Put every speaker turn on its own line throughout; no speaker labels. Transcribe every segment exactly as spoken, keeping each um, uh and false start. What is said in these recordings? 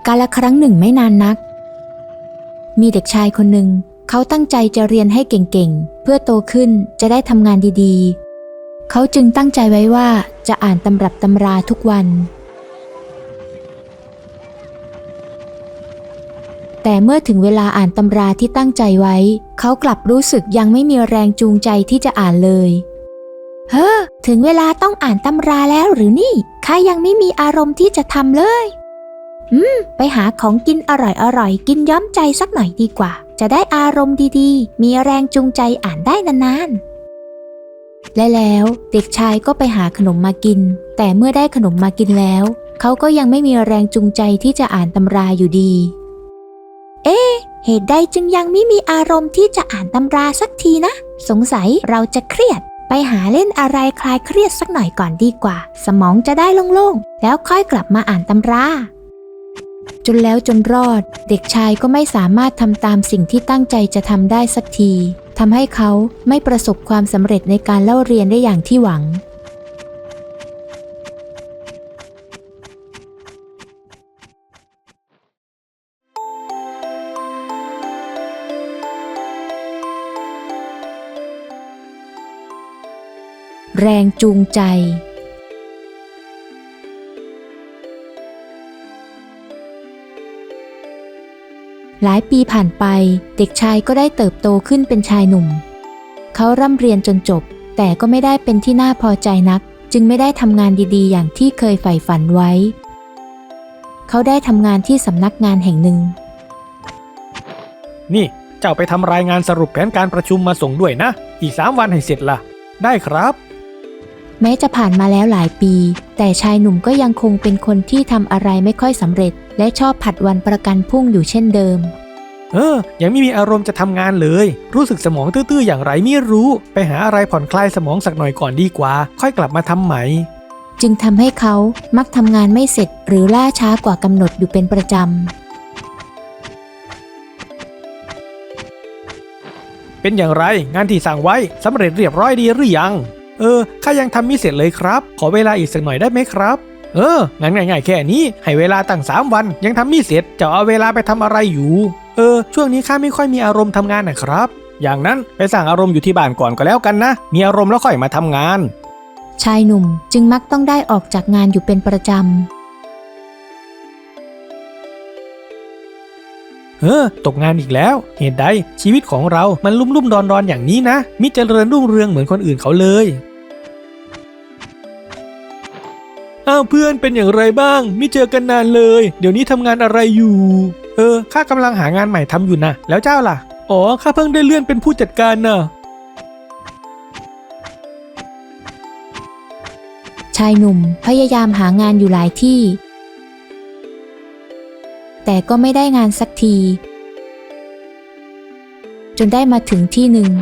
กาลครั้งหนึ่งไม่นานนักมีเด็กชายคนหนึ่งเขาตั้งใจจะเรียนให้เก่งๆเพื่อโตขึ้นจะได้ทำงานดีๆเขาจึงตั้งใจไว้ว่าจะอ่านตำรับตำราทุกวันแต่เมื่อถึงเวลาอ่านตำราที่ตั้งใจไว้เขากลับรู้สึกยังไม่มีแรงจูงใจที่จะอ่านเลยเฮ้อถึงเวลาต้องอ่านตำราแล้วหรือนี่ข้ายังไม่มีอารมณ์ที่จะทำเลยอืมไปหาของกินอร่อยๆกินย้อมใจสักหน่อยดีกว่าจะได้อารมณ์ดีๆมีแรงจูงใจอ่านได้นานๆและแล้วเด็กชายก็ไปหาขนมมากินแต่เมื่อได้ขนมมากินแล้วเขาก็ยังไม่มีแรงจูงใจที่จะอ่านตำราอยู่ดีเอ๊ะเหตุใดจึงยังไม่มีอารมณ์ที่จะอ่านตำราสักทีนะสงสัยเราจะเครียดไปหาเล่นอะไรคลายเครียดสักหน่อยก่อนดีกว่าสมองจะได้โล่งๆแล้วค่อยกลับมาอ่านตำราจนแล้วจนรอดเด็กชายก็ไม่สามารถทำตามสิ่งที่ตั้งใจจะทำได้สักทีทำให้เขาไม่ประสบความสำเร็จในการเล่าเรียนได้อย่างที่หวังแรงจูงใจหลายปีผ่านไปเด็กชายก็ได้เติบโตขึ้นเป็นชายหนุ่มเขาร่ำเรียนจนจบแต่ก็ไม่ได้เป็นที่น่าพอใจนักจึงไม่ได้ทำงานดีๆอย่างที่เคยใฝ่ฝันไว้เขาได้ทำงานที่สำนักงานแห่งหนึ่ง
นี่เจ้าไปทำรายงานสรุปแผนการประชุมมาส่งด้วยนะอีกสามวันให้เสร็จล่ะได้ครับ
แม้จะผ่านมาแล้วหลายปีแต่ชายหนุ่มก็ยังคงเป็นคนที่ทำอะไรไม่ค่อยสำเร็จและชอบผัดวันประกันพรุ่งอยู่เช่นเดิม
เออยังไม่มีอารมณ์จะทำงานเลยรู้สึกสมองตื้อๆอย่างไรไม่รู้ไปหาอะไรผ่อนคลายสมองสักหน่อยก่อนดีกว่าค่อยกลับมาทำใหม่
จึงทำให้เขามักทำงานไม่เสร็จหรือล่าช้ากว่ากำหนดอยู่เป็นประจ
ำเป็นอย่างไรงานที่สั่งไว้สำเร็จเรียบร้อยดีหรือยังเออข้ายังทำไม่เสร็จเลยครับขอเวลาอีกสักหน่อยได้ไหมครับเอองั้นง่ายๆแค่นี้ให้เวลาตั้งสามวันยังทำไม่เสร็จจะเอาเวลาไปทำอะไรอยู่เออช่วงนี้ข้าไม่ค่อยมีอารมณ์ทำงานนะครับอย่างนั้นไปสร้างอารมณ์อยู่ที่บ้านก่อนก็แล้วกันนะมีอารมณ์แล้วค่อยมาทำงาน
ชายหนุ่มจึงมักต้องได้ออกจากงานอยู่เป็นประจ
ำเออตกงานอีกแล้วเหตุใดชีวิตของเรามันลุ่มลุ่มดอนดอนอย่างนี้นะมิเจริญรุ่งเรืองเหมือนคนอื่นเขาเลยอ้าวเพื่อนเป็นอย่างไรบ้างไม่เจอกันนานเลยเดี๋ยวนี้ทำงานอะไรอยู่เออข้ากำลังหางานใหม่ทำอยู่นะแล้วเจ้าล่ะอ๋อข้าเพิ่งได้เลื่อนเป็นผู้จัดการน่ะ
ชายหนุ่มพยายามหางานอยู่หลายที่แต่ก็ไม่ได้งานสักทีจนได้มาถึงที่หนึ่ง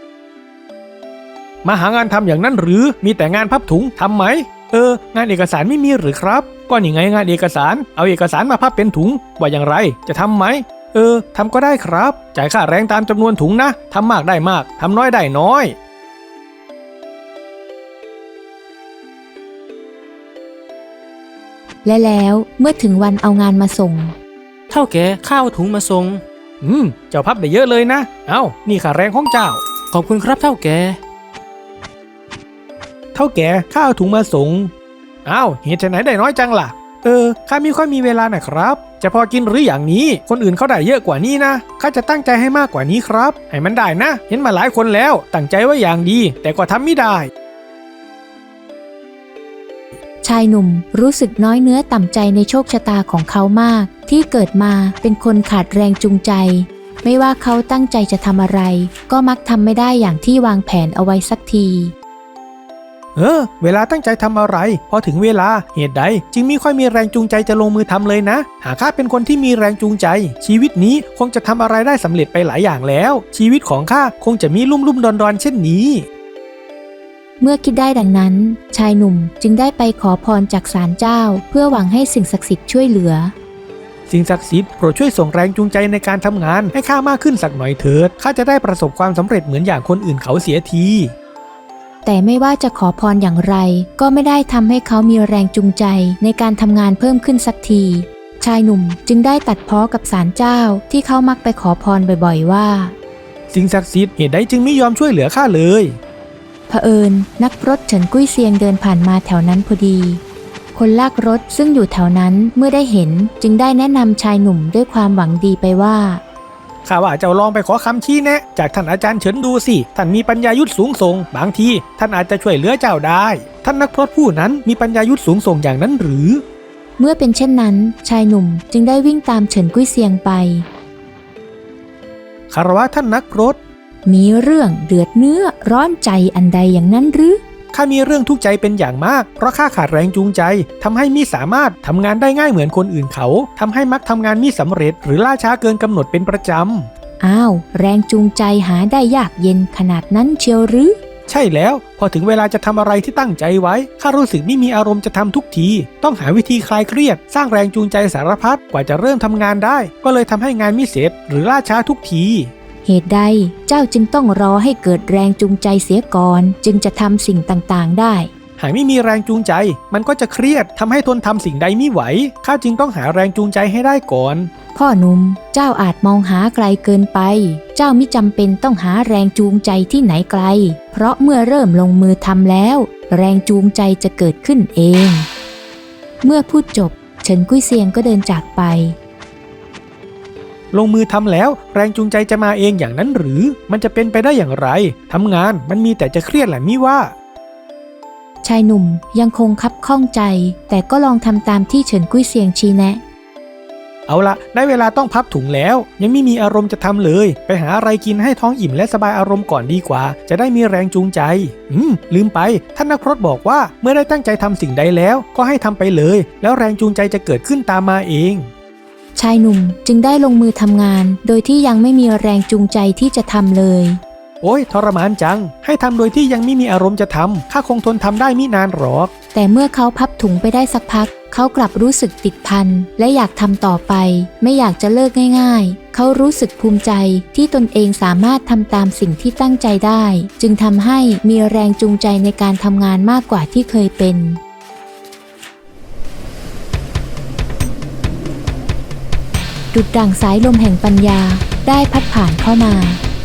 มาหางานทำอย่างนั้นหรือมีแต่งานพับถุงทำไหมเอองานเอกสารไม่มีหรือครับก็นี่ไงงานเอกสารเอาเอกสารมาพับเป็นถุงว่าอย่างไรจะทำไหมเออทำก็ได้ครับจ่ายค่าแรงตามจำนวนถุงนะทำมากได้มากทำน้อยได้น้อย
และแล้วเมื่อถึงวันเอางานมาส่ง
เท่าแก่ข้าวถุงมาส่ง
อืมเจ้าพับได้เยอะเลยนะเอ้านี่ค่าแรงของเจ้า
ขอบคุณครับเท่าแก่
เท่าแก่ข้าเอาถุงมาส่งอ้าวเหตุไหนได้น้อยจังล่ะเออข้าไม่ค่อยมีเวลานะครับจะพอกินหรืออย่างนี้คนอื่นเขาได้เยอะกว่านี้นะข้าจะตั้งใจให้มากกว่านี้ครับให้มันได้นะเห็นมาหลายคนแล้วตั้งใจไว้อย่างดีแต่ก็ทำไม่ได้
ชายหนุ่มรู้สึกน้อยเนื้อต่ำใจในโชคชะตาของเขามากที่เกิดมาเป็นคนขาดแรงจูงใจไม่ว่าเขาตั้งใจจะทำอะไรก็มักทำไม่ได้อย่างที่วางแผนเอาไว้สักที
เออเวลาตั้งใจทำอะไรพอถึงเวลาเหตุใดจึงไม่ค่อยมีแรงจูงใจจะลงมือทำเลยนะหากข้าเป็นคนที่มีแรงจูงใจชีวิตนี้คงจะทำอะไรได้สำเร็จไปหลายอย่างแล้วชีวิตของข้าคงจะมีลุ่มลุ่มดอนดอนเช่นนี้
เมื่อคิดได้ดังนั้นชายหนุ่มจึงได้ไปขอพรจากศาลเจ้าเพื่อหวังให้สิ่งศักดิ์สิทธิ์ช่วยเหลือ
สิ่งศักดิ์สิทธิ์โปรดช่วยส่งแรงจูงใจในการทำงานให้ข้ามากขึ้นสักหน่อยเถิดข้าจะได้ประสบความสำเร็จเหมือนอย่างคนอื่นเขาเสียที
แต่ไม่ว่าจะขอพรอย่างไรก็ไม่ได้ทำให้เขามีแรงจูงใจในการทำงานเพิ่มขึ้นสักทีชายหนุ่มจึงได้ตัดพ้อกับศาลเจ้าที่เขามักไปขอพรบ่อยๆว่า
สิ่งศักดิ์สิทธิ์เหตุใดจึงไม่ยอมช่วยเหลือข้าเลย
เผอิญนักพรตเฉินกุ้ยเซียงเดินผ่านมาแถวนั้นพอดีคนลากรถซึ่งอยู่แถวนั้นเมื่อได้เห็นจึงได้แนะนำชายหนุ่มด้วยความหวังดีไปว่า
ข้าว่าเจ้าลองไปขอคำชี้แนะจากท่านอาจารย์เฉินดูสิท่านมีปัญญายุทธสูงส่งบางทีท่านอาจจะช่วยเหลือเจ้าได้ท่านนักพรตผู้นั้นมีปัญญายุทธสูงส่งอย่างนั้นหรือ
เมื่อเป็นเช่นนั้นชายหนุ่มจึงได้วิ่งตามเฉินกุ้ยเซียงไป
คารวะท่านนักพรต
มีเรื่องเดือดเนื้อร้อนใจอันใดอย่างนั้นหรือ
ข้ามีเรื่องทุกข์ใจเป็นอย่างมากเพราะข้าขาดแรงจูงใจทำให้มิสามารถทำงานได้ง่ายเหมือนคนอื่นเขาทำให้มักทำงานมิสำเร็จหรือล่าช้าเกินกำหนดเป็นประจ
ำอ้าวแรงจูงใจหาได้ยากเย็นขนาดนั้นเชียวหรือ
ใช่แล้วพอถึงเวลาจะทำอะไรที่ตั้งใจไว้ข้ารู้สึกไม่มีอารมณ์จะทำทุกทีต้องหาวิธีคลายเครียดสร้างแรงจูงใจสารพัดกว่าจะเริ่มทำงานได้ก็เลยทำให้งานไม่เสร็จหรือล่าช้าทุกที
เหตุใดเจ้าจึงต้องรอให้เกิดแรงจูงใจเสียก่อนจึงจะทำสิ่งต่างๆได้
หากไม่มีแรงจูงใจมันก็จะเครียดทำให้ทนทำสิ่งใดไม่ไหวข้าจึงต้องหาแรงจูงใจให้ได้ก่อน
พ่อหนุ่มเจ้าอาจมองหาไกลเกินไปเจ้ามิจำเป็นต้องหาแรงจูงใจที่ไหนไกลเพราะเมื่อเริ่มลงมือทำแล้วแรงจูงใจจะเกิดขึ้นเองเมื่อพูดจบเฉินกุ้ยเซียงก็เดินจากไป
ลงมือทำแล้วแรงจูงใจจะมาเองอย่างนั้นหรือมันจะเป็นไปได้อย่างไรทำงานมันมีแต่จะเครียดแหละมิว่า
ชายหนุ่มยังคงคับข้องใจแต่ก็ลองทำตามที่เฉินกุ้ยเซียงชี้แนะ
เอาละได้เวลาต้องพับถุงแล้วยังไม่มีอารมณ์จะทำเลยไปหาอะไรกินให้ท้องอิ่มและสบายอารมณ์ก่อนดีกว่าจะได้มีแรงจูงใจอืมลืมไปท่านนักพรตบอกว่าเมื่อได้ตั้งใจทำสิ่งใดแล้วก็ให้ทำไปเลยแล้วแรงจูงใจจะเกิดขึ้นตามมาเอง
ชายหนุ่มจึงได้ลงมือทำงานโดยที่ยังไม่มีแรงจูงใจที่จะทำเลย
โอ้ยทรมานจังให้ทำโดยที่ยังไม่มีอารมณ์จะทำข้าคงทนทำได้มินานหรอก
แต่เมื่อเขาพับถุงไปได้สักพักเขากลับรู้สึกติดพันและอยากทำต่อไปไม่อยากจะเลิกง่ายๆเขารู้สึกภูมิใจที่ตนเองสามารถทำตามสิ่งที่ตั้งใจได้จึงทำให้มีแรงจูงใจในการทำงานมากกว่าที่เคยเป็นดุจดั่งสายลมแห่งปัญญาได้พัดผ่านเข้ามา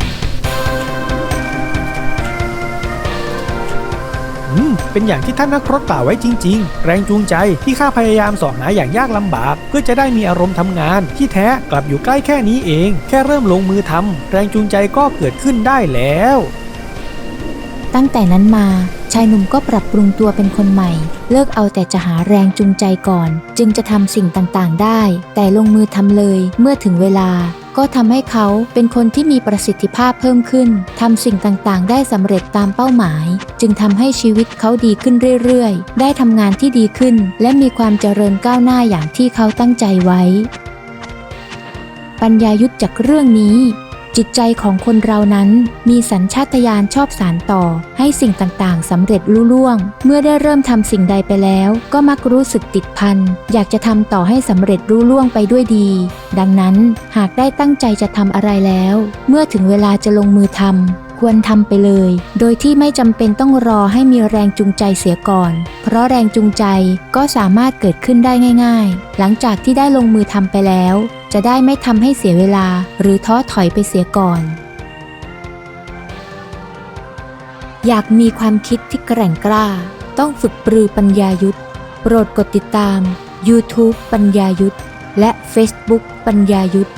อืมเป็นอย่างที่ท่านนักพรตกล่าวไว้จริงๆแรงจูงใจที่ข้าพยายามสอหาอย่างยากลำบากเพื่อจะได้มีอารมณ์ทำงานที่แท้กลับอยู่ใกล้แค่นี้เองแค่เริ่มลงมือทำแรงจูงใจก็เกิดขึ้นได้แล้ว
ตั้งแต่นั้นมาชายหนุ่มก็ปรับปรุงตัวเป็นคนใหม่เลิกเอาแต่จะหาแรงจูงใจก่อนจึงจะทำสิ่งต่างๆได้แต่ลงมือทำเลยเมื่อถึงเวลาก็ทำให้เขาเป็นคนที่มีประสิทธิภาพเพิ่มขึ้นทำสิ่งต่างๆได้สำเร็จตามเป้าหมายจึงทำให้ชีวิตเขาดีขึ้นเรื่อยๆได้ทำงานที่ดีขึ้นและมีความเจริญก้าวหน้าอย่างที่เขาตั้งใจไว้ปัญญายุทธจากเรื่องนี้จิตใจของคนเรานั้นมีสัญชาตญาณชอบสานต่อให้สิ่งต่างๆสำเร็จลุล่วงเมื่อได้เริ่มทำสิ่งใดไปแล้วก็มักรู้สึกติดพันอยากจะทำต่อให้สำเร็จลุล่วงไปด้วยดีดังนั้นหากได้ตั้งใจจะทำอะไรแล้วเมื่อถึงเวลาจะลงมือทำควรทำไปเลยโดยที่ไม่จำเป็นต้องรอให้มีแรงจูงใจเสียก่อนเพราะแรงจูงใจก็สามารถเกิดขึ้นได้ง่ายๆหลังจากที่ได้ลงมือทำไปแล้วจะได้ไม่ทำให้เสียเวลาหรือท้อถอยไปเสียก่อนอยากมีความคิดที่แกร่งกล้าต้องฝึกปรือปัญญายุทธโปรดกดติดตาม YouTube ปัญญายุทธและ Facebook ปัญญายุทธ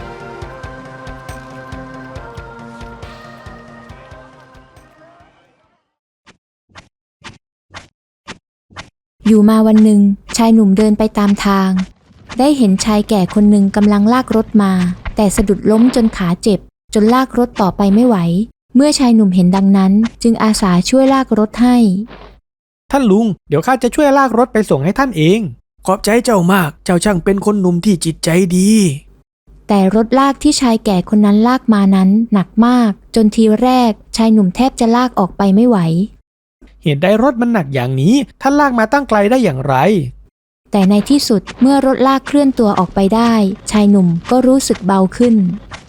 อยู่มาวันหนึ่งชายหนุ่มเดินไปตามทางได้เห็นชายแก่คนหนึ่งกำลังลากรถมาแต่สะดุดล้มจนขาเจ็บจนลากรถต่อไปไม่ไหวเมื่อชายหนุ่มเห็นดังนั้นจึงอาสาช่วยลากรถให้
ท่านลุงเดี๋ยวข้าจะช่วยลากรถไปส่งให้ท่านเองขอบใจเจ้ามากเจ้าช่างเป็นคนหนุ่มที่จิตใจดี
แต่รถลากที่ชายแก่คนนั้นลากมานั้นหนักมากจนทีแรกชายหนุ่มแทบจะลากออกไปไม่ไหว
เหตุใดรถมันหนักอย่างนี้ท่านลากมาตั้งไกลได้อย่างไร
แต่ในที่สุดเมื่อรถลากเคลื่อนตัวออกไปได้ชายหนุ่มก็รู้สึกเบาขึ้น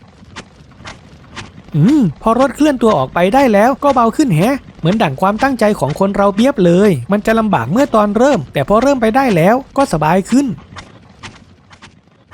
อืมพอรถเคลื่อนตัวออกไปได้แล้วก็เบาขึ้นแฮะเหมือนดั่งความตั้งใจของคนเราเบียบเลยมันจะลำบากเมื่อตอนเริ่มแต่พอเริ่มไปได้แล้วก็สบายขึ้น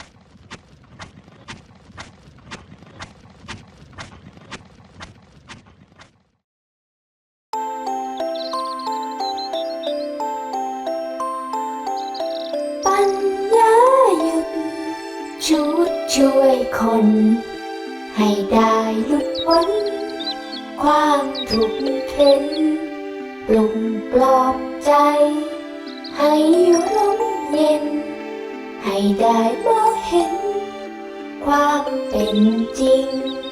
คน ให้ได้หลุดพ้นความทุกข์เข็นปลุกปลอบใจ ให้อยู่ร่มเย็น ให้ได้มองเห็นความเป็นจริง